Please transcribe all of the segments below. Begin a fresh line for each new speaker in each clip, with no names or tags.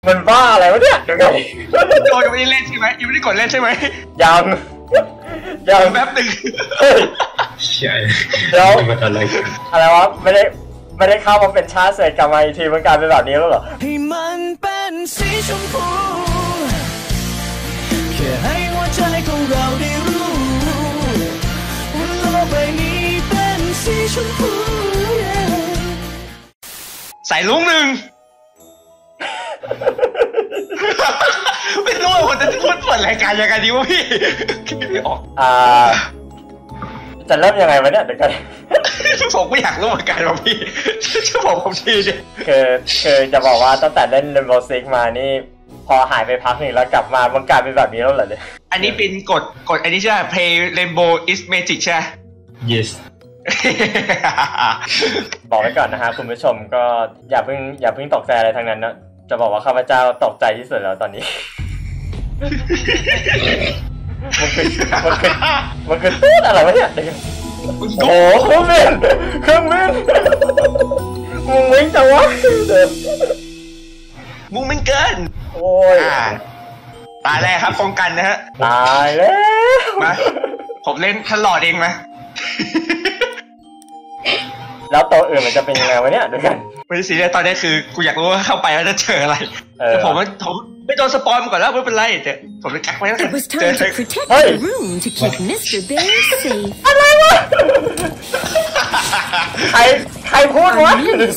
มันบ้าอะไรวะเนี่ยเดี๋ยวก่อน
โจยังไม่ได้เล่นใช่ไหมยังไม่ได้กดเล่นใช่ไหม
ยัง
แป๊บหนึ่ง
ใช่
เดี๋ยว
อะไร
วะไม่ได้เข้ามาเป็นชาติเสร็จกลับมาอีกทีมันกลายเป็นแบบนี้แล้วเหรอ
ให้มันเป็นสีชมพูแค่ให้หัวใจของเราได้รู้ว่าโลกใบนี้เป็นสีชมพู
ใส่ลุงหนึ่งไม่รู้ว่าผมจะพูดเปิดรายการยังไงดีวะพี่คิดไม่ออก
จะเริ่มยังไงวะเนี่ยเดี๋ยวกัน
ผมไม่อยากรู้เหมือนกันว่าพี่ช่วยบอกผมทีดิ
คือจะบอกว่าตั้งแต่เล่น Rainbow Six มานี่พอหายไปพักหนึ่งแล้วกลับมามันกลายเป็นแบบนี้แล้วเหรอเนี่ย
อันนี้เป็นกดอันนี้ใช่ไหม Play Rainbow is Magic ใช่
yes
บอกไว้ก่อนนะฮะคุณผู้ชมก็อย่าเพิ่งตกใจอะไรทั้งนั้นนะจะบอกว่าข้าพเจ้าตกใจที่สุดแล้วตอนนี้มันคือตู้อะไรวะเนี่ยโอ้เครื่องบินมึงวิ่งจังวะ
มึงไม่เกิน
โอ้ย
ตายแล้วครับป้องกันนะฮะ
ตายแล้ว
มาผมเล่นตลอดเองไหม
แล้วตัวอื่นมันจะเป็นยังไงวะเนี่ยดูกัน
ไม่ใช่สิเนี่ยตอนนี้คือกูอยากรู้ว่าเข้าไปแล้วจะเจออะไรแต่ผมไม่โดนสปอยล์มาก่อนแล้วไม่เป็นไรแต่ผมจะกักไว้แล้วเจอ
เฮ้ยอะไรวะใครพูดวะ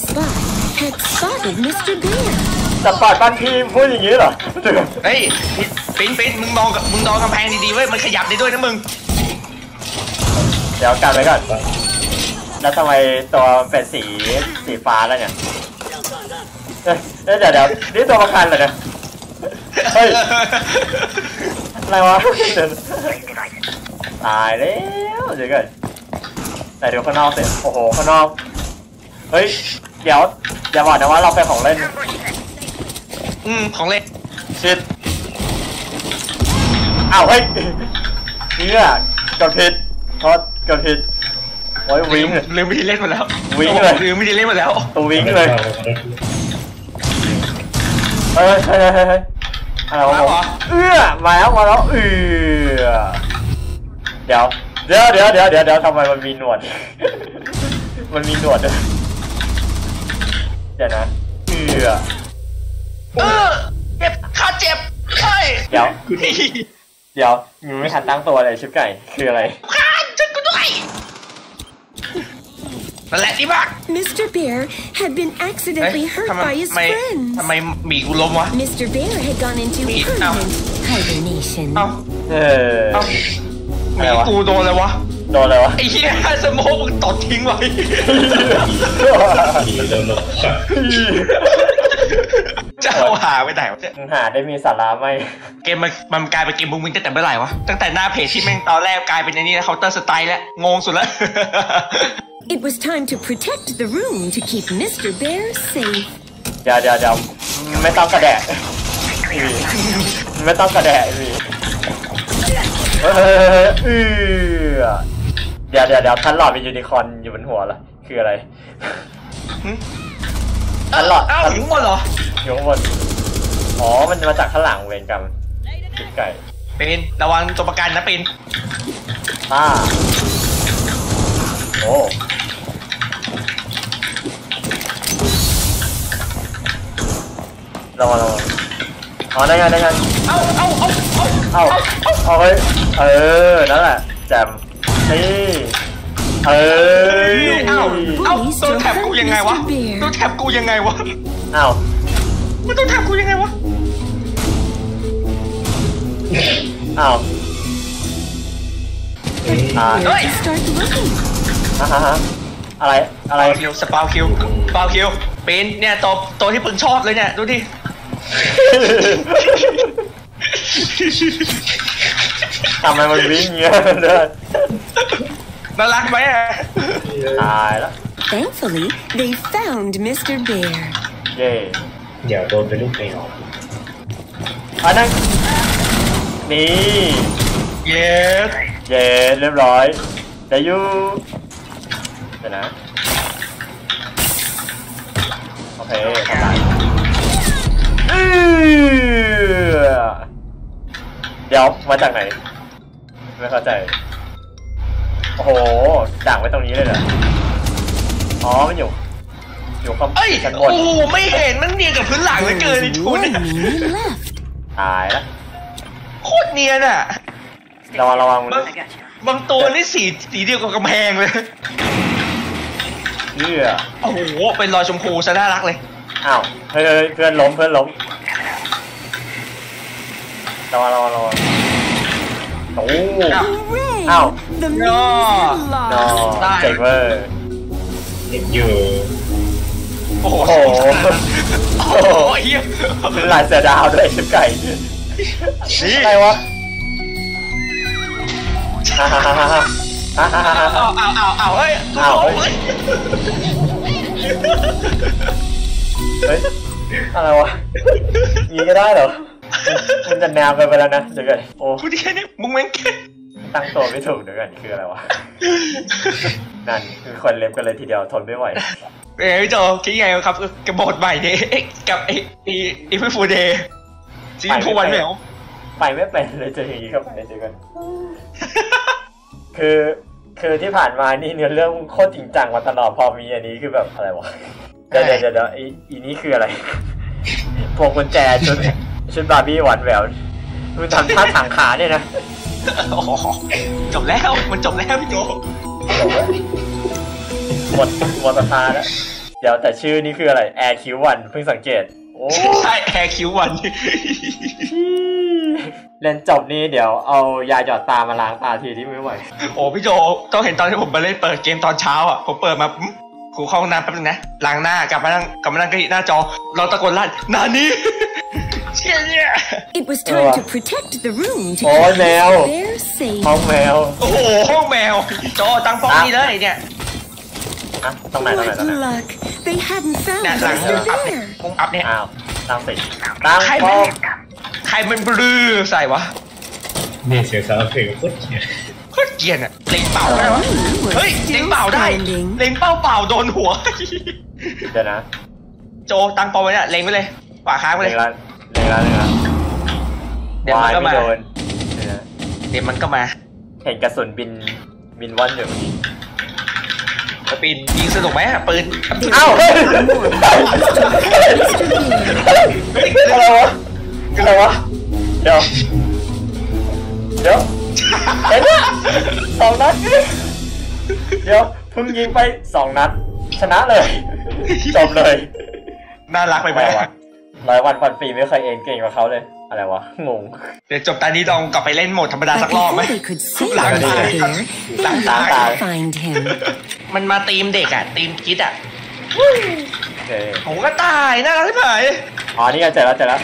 สปอร์ตบ้านพี่พูดอย่างนี้เหรอ
เฮ้ยปิ๊นมึงมองกำแพงดีๆเว้ยมันขยับได้ด้วยนะมึง
เดี๋ยวกันไว้ก่อนแล้วทำไมตัวเป็นสีฟ้าแล้วเนี่ยเดี๋ยวนี่ตัวประกันเหรอเนี่ยเฮ้ยอะไรวะตายแล้วเดี๋ยวก่อนแต่เดี๋ยวข้างนอกเสร็จโอ้โหข้างนอกเฮ้ยเดี๋ยวอย่าบอกนะว่าเราเป็นของเล่น
ของเล่น
ชิดอ้าวเฮ้ยเนี่ยกดผิดกดผิดโอ้ยวิ่ง
ลืมวิธีเล่นหมดแล้ว
วิ่งเลย
ลืมวิธีเล่นหมดแล้ว
ตัววิ่งเลยเฮ้ยอะไรวะมาแล้วเดี๋ยวทำไมมันมีหนวดด้วยเดี๋ยวนะ
เจ็บขาเจ็บใช่
เดี๋ยวมึงไม่ทันตั้งตัวเลยชิบไก่คืออะไร
ขาช่วยกูด้วยนั่นแหละดีมาก
Mr. Bear had been accidentally hurt by his friends
ทำไมมีกูล้มวะ
Mr. Bear had gone into permanent hibernation
มีกูโดนเลยวะไอ้เหี้ยสโมกมึงตดทิ้งไว้จะเอาหาไปไหนวะเนี่ย
หาได้มีสาระไหม
เกมมันกลายเป็นเกมมึงตั้งแต่เมื่อไหร่วะตั้งแต่หน้าเพจที่แม่งตอนแรกกลายเป็นไอ้นี่นะเคาน์เตอร์สไตล์แล้วงงสุดแล้ว
It was time to protect the room to keep Mr. Bear safe
เดี๋ยวไม่ต้องกระแดะไม่ต้องกระแดะสิเดี๋ยวท่านหลอดมียูนิคอร์นอยู่บนหัวเหรอคืออะไรท่านหลอด
อยู่ข้างบนเหรอ
อยู่ข้างบนอ๋อมันมาจากข้างหลังเวรกรรมติดไก่
เป็นระวังตัวประกันนะเป็น
โอ้ระวังอ๋อได้ไงเอาเฮ้ยนั่นแหละแจมนี่
ตัวแท็บกูยังไงวะตัวแท็บกูยังไงวะมันตัวแท็บกูยังไงวะ
เฮ้ยอะไร
คิวสปาวคิวเป็นเนี่ยตัวที่ปึงชอบเลยเนี่ยดูดิ
ทำไมมันวิ่งเงี้ยเลย
น่ารักไหม
ตายแล้ว
Thankfully they found Mr. Bear
เย่
เดี๋ยวโดนเป็นลูกแมว
นั่นนี่
เย้
เรียบร้อยแต่ยูเดี๋ยวนะโอเคทำได้เดี๋ยวมาจากไหนไม่เข้าใจโอ้โหด่างไว้ตรงนี้เลยเหรออ๋อมันอยู่ข้างชั้นบน
โอ้ไม่เห็นมันเนียนกับพื้นหลังเลยเกินนี่ทุน
ตายแล้ว
โคตรเนียนอ่ะ
ระวัง
บางตัวนี่สีเดียวกับกำแพงเลยโอ้โหเป็นรอยชมพูซะน่ารักเลย
อ้าวเฮ้ยเพื่อนล้มระวังโอ้อ้าวนอเจ๋งเวอร์
อยู่
โอ้โหเฮีย
เป็นลายเสือดาวด้วยชิบไก่นี่อะไรวะ
เอาเฮ้ย
อะไรวะยิงก็ได้เหรอมันจะแนวไปแล้วนะเดี๋ยวก่อนโอ้
คุณแค่นี้มุ้งเม้ง
ตั้งตัวไม่ถูกเดี๋ยวก่อนคืออะไรวะนั่นคือคนเล็บกันเลยทีเดียวทนไม่ไหว
พี่โจคิดไงครับกับบทใหม่นี้กับไอ้พี่ฟูเดย์ซีนพูวันแมว
ไปไม่เป็นเลยเจออย่างนี้ครับเจอกันคือที่ผ่านมานี่เนื้อเรื่องโคตรจริงจังมาตลอดพอมีอันนี้คือแบบอะไรวะเดี๋ยวอีนี้คืออะไรพวงกุญแจชุดบาร์บี้หวานแหววมึงทำท่าถังขาเนี่ยนะ
จบแล้วมันจบแล้วพี่โจ
หมดสภาแล้วเดี๋ยวแต่ชื่อนี่คืออะไรแอร์คิววันเพิ่งสังเกตโอ้
ใช่แอร์คิววัน
เล่นจบนี่เดี๋ยวเอายาหยอดตามาล้างตาทีที่ไม่ไหว
โอ้พี่โจต้องเห็นตอนที่ผมไปเล่นเปิดเกมตอนเช้าอ่ะผมเปิดมากูเข้าห้องน้ำแป๊บนึงนะล้างหน้ากลับมานั่งก็หน้าจอเราตะโกนลั่นนานี่เชี่ยเนี่ย
It was time to protect the room to
keep
their safe
ห้องแมว
โอ้โหห้องแมวโจตั้งป้องนี่เลยเนี่ย
ตรงไหน
Luck they hadn't found Mr. Bear
มุ้งอัพเนี่ย
อ้าวตั้ง
ใครมันบลือใส่วะ
เนี่ยเสียงสาวเพลงโคตร
เกลียดอ่ะเล็งเป่าได้วะเฮ้ยเล็งเป่าได้เล็งเป่าโดนหัว
เดี๋ยวนะ
โจตั้งป้องไว้เนี่ยเล็งไปเลยขวาค้างไปเลยเดี๋ยวมันก็มา
เห็นกระสุนบินว่อนอยู่
ปีนยิงสนุกไหมปืน
เอ้าอะไรวะเดี๋ยวเห็นไหม2 นัดเดี๋ยวเพิ่งยิงไป2 นัดชนะเลยจบเลย
น่ารักไปไหม
วะ100 วันพันปีไม่เคยเก่งกว่าเขาเลยอะไรวะงง
เดี๋ยวจบตอนนี้ลองกลับไปเล่นโหมดธรรมดาสักรอบไหมหลังตายมันมาตีมเด็กอ่ะตีมคิดอ่ะผมก็ตายน่ารักที่ไหน
อ๋อนี่เจอแล้ว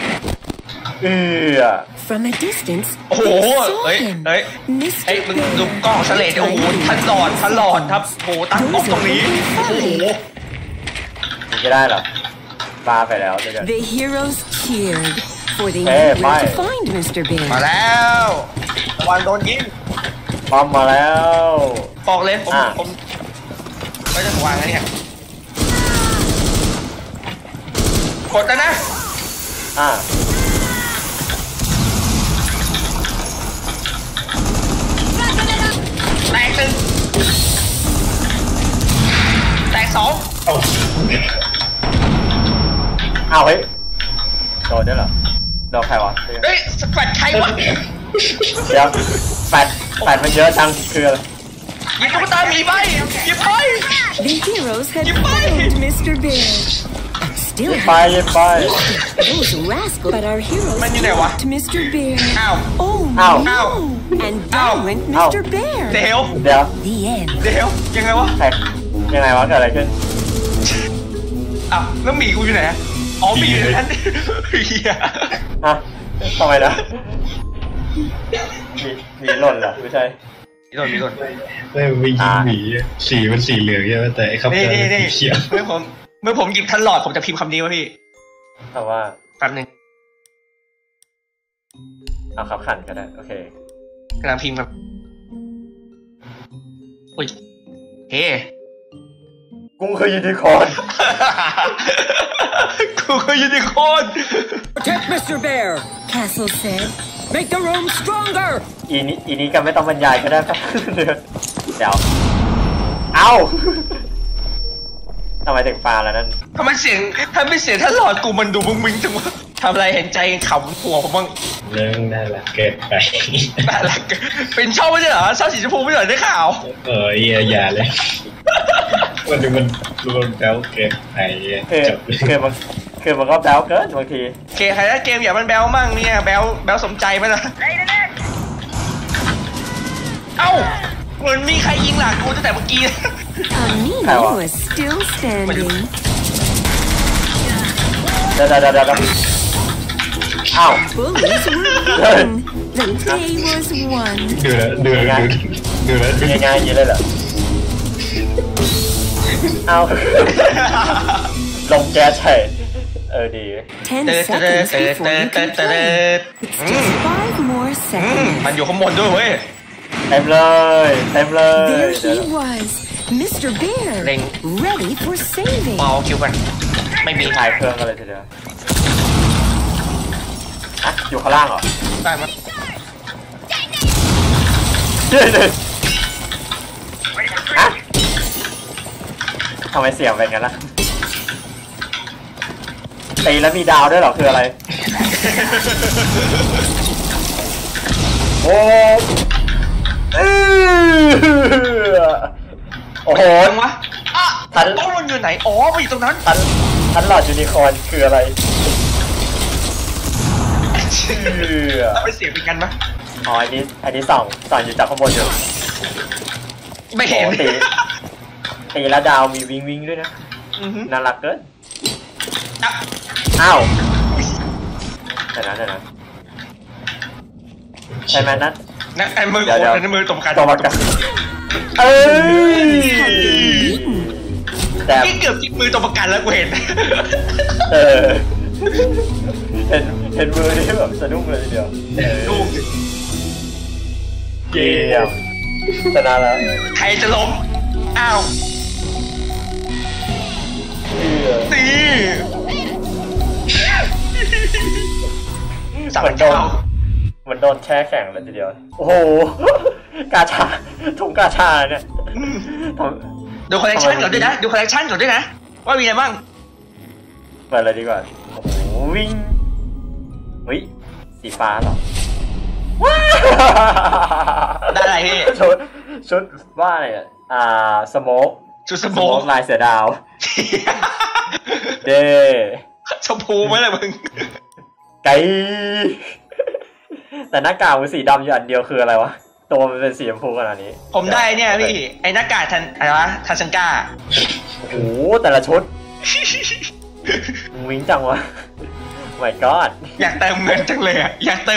From a distance
โอ้โหเฮ้ยมึงดูกล้องสเลดโอ้โหทันหลอดครับโอ้ตั้งกล้องตรงนี้โอ้โห
ไม่ได้หรอปาไปแล้วเดี๋ยว
The heroes cheered for they knew where to find Mr. Bear
มาแล้ววันโดนยิง
บอมมาแล้ว
บอกเลยผมไม่จะวางแล้วเนี่ยกดแล้วนะแตก1แตก2
อ้าวเฮ้ยโดนได้เหรอโดนใครวะ
เฮ้ยแฟดใครวะ
เดี๋ยวแฟดมันเยอะจังคืออะไร
ยิงตุ๊กตาหมีไปยิงไป
The heroes had found Mr. Bear Still
ไป
Those rascals But our heroes stopped Mr. Bear
อ้าว
Oh no And down went Mr. Bear
เดี๋ยว
The end
เดี๋ยวยังไงวะ
เกิดอะไรขึ้น
อ้าวแล้วหมีกูอยู่ไหนอ๋อหมีอยู่นั้น
ทำไมนะมีหล่นเหรอไม่ใช่
มีหล่น
ไม่ยิงหมีสีมันสีเหลืองใช่ไหมแต่ไอ้คำนี้สีเขียว
เมื่อผมหยิบทันหลอดผมจะพิมพ์คำนี้วะพี่
คำว่า
แป๊บนึง
เอาครับขันก็ได้โอเค
กำลังพิมพ์ครับอุ้ยเฮ้
กูคือยูนิคอร์น
กูคือยูนิคอร์น
Protect Mr. Bear Castle said Make the room stronger.
อีนี้ก็ไม่ต้องบรรยายก็ได้ครับเดี๋ยวเอ้าทำไมถึงปลาแล้วนั่น
ทำไมเสียงถ้าหลอดกูมันดูมึงจังวะทำอะไรเห็นใจขำหัวผมบ้าง
เรื่องน่ารักเกินไป
น่ารักเป็นช่องไม่ใช่เหรอช่องสีชมพูไม่ใช่ได้ข่าว
อย่าเลยมันดูมันแบ๊วเกินไป
คือมันก็แบ๊วเกินบางที
ใครนะเกมอย่ามันแบ๊วมั่งเนี่ยแบ๊วสมใจไหมล่ะเอ้าเหมือนมีใครยิงหลังกูตั้งแต่เมื่อกี้
Amina was still standing
เดี๋ยวอ้าว
Bullies were winning. The day was won.
ดูแล้ว
ง่ายๆอย่างนี้เลยเหรอเอาลงแก๊สใช่ดี
10 seconds before you can play. It's just 5 more seconds.
มันอยู่ข้างบนด้วยเว้ย
เต็มเลย
There he was, Mr. Bear, ready for saving.
เอาคิวกันไม่มี
ถ่ายเครื่องกันเลยทีเดียวอะอยู่ข้างล่างเหรอ
ได้มั้ย
อะทำไมเสียงเป็นงั้นล่ะตีแล้วมีดาวด้วยเหรอคืออะไรโอ้โอ้โห
วะทันต้องมันอยู่ไหนอ๋อมันอยู่ตรงนั้น
ทันหลอดยูนิคอร์นคืออะไร
ไม่เสียงเป็นกันปะ
อ๋ออันนี้ส่องอยู่จากข้างบนอยู่
ไม่เห็น
ตีแล้วดาวมีวิ่งด้วยนะน่ารักเกินอ้าวแต่นั้นใช่ไหมนัท
ไอ้มือโคตรมือตบกันแต่เกือบจิกมือตบกันแล้วกูเห็น
เห็นมือนี่แบบสะดุ้งเลยทีเดียว
ลูก
เกี่ยวชนะแล้ว
ใครจะล้มอ้าวตี
มันโดนแช่แข็งเลยทีเดียวโอ้โหกาชาถุงกาชาเนี่ย
ดูคอลเลคชันก่อนด้วยนะว่ามีอะไรบ้าง
เปิดเลยดีกว่าโอ้โหวิ่งสีฟ้าเหรอ
ได้อะไรพี่
ชุดว่าอะไรสโมก
ชุดสโมก
ลายเสือดาวเด
ชมพูไหมล่ะมึง
ไกแต่หน้ากากมันสีดำอยู่อันเดียวคืออะไรวะตัวมันเป็นสีชมพูขนาดนี้
ผมได้เนี่ยพี่ไอ้หน้ากากอะไรวะทันซังก้า
โอ้โหแต่ละชุดวิ่งจังวะ my god
อยากเติมเงินจังเลยอ่ะ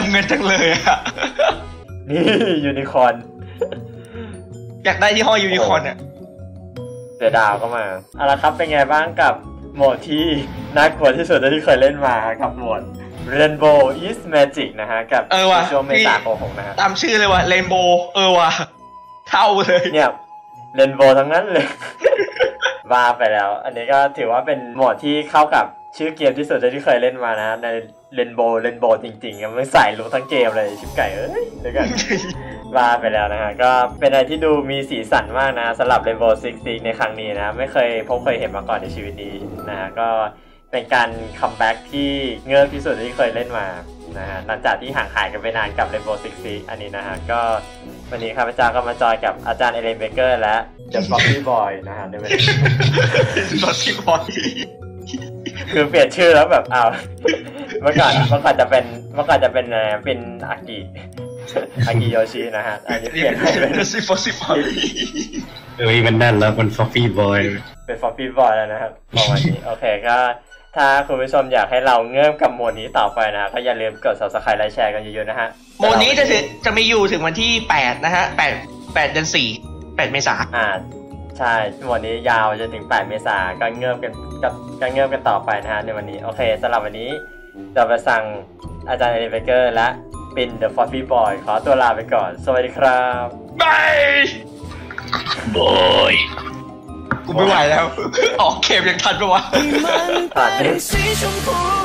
นี่ยูนิคอร์น
อยากได้ที่ห้อยยูนิคอร์นอ่ะ
เสือดาวก็มาเอาละครับเป็นไงบ้างกับโหมดที่น่ากลัวที่สุดที่เคยเล่นมากับโหมด Rainbow is Magic นะฮะกับช่วงเมษายนนะฮะ
ตามชื่อเลยว่ะ Rainbow ว่ะเท่าเลย
เนี่ย Rainbow ทั้งนั้นเลยว่าไปแล้วอันนี้ก็ถือว่าเป็นโหมดที่เข้ากับชื่อเกมที่สุดที่เคยเล่นมานะใน Rainbow จริงๆมันใส่รู้ทั้งเกมเลยชิบไก่เดี๋ยวกันว่าไปแล้วนะฮะก็เป็นอะไรที่ดูมีสีสันมากนะสำหรับ Rainbow Six Siege ในครั้งนี้นะไม่เคยเห็นมาก่อนในชีวิตนี้นะฮะก็เป็นการคัมแบ็กที่เงิบที่สุดที่เคยเล่นมานะฮะหลังจากที่ห่างหายกันไปนานกับ Rainbow Six Siege อันนี้นะฮะก็วันนี้ข้าพเจ้าก็มาจอยกับอาจารย์เอเลนเบเกอร์และ The Floppy Boy นะฮะในวันนี้
Floppy Boy
คือเปลี่ยนชื่อแล้วแบบเมื่อก่อนจะเป็นอากิโยชินะฮะอันนี้เปลี่ยนให้เป็น
Floppy Boy
มันนั่นแล้วมัน Floppy Boy
เป็น Floppy Boy แล้วนะครับประมาณนี้โอเคก็ถ้าคุณผู้ชมอยากให้เราเงื่อนกับโหมดนี้ต่อไปนะก็อย่าลืมกด Subscribe และแชร์กันเยอะๆนะฮะ
โหมดนี้จะมีอยู่ถึงวันที่8นะฮะ8เดือน4 8เมษายน
ใช่โหมดนี้ยาวจนถึง8เมษายนก็เงื่อนกันต่อไปนะฮะในวันนี้โอเคสำหรับวันนี้จะไปสั่งอาจารย์เอเลนเบเกอร์และเป็น The Floppy Boy ขอตัวลาไปก่อนสวัสดีครับ
บายบอยกูไม่ไหวแล้วออกเกมยังทันปะวะ
ทัน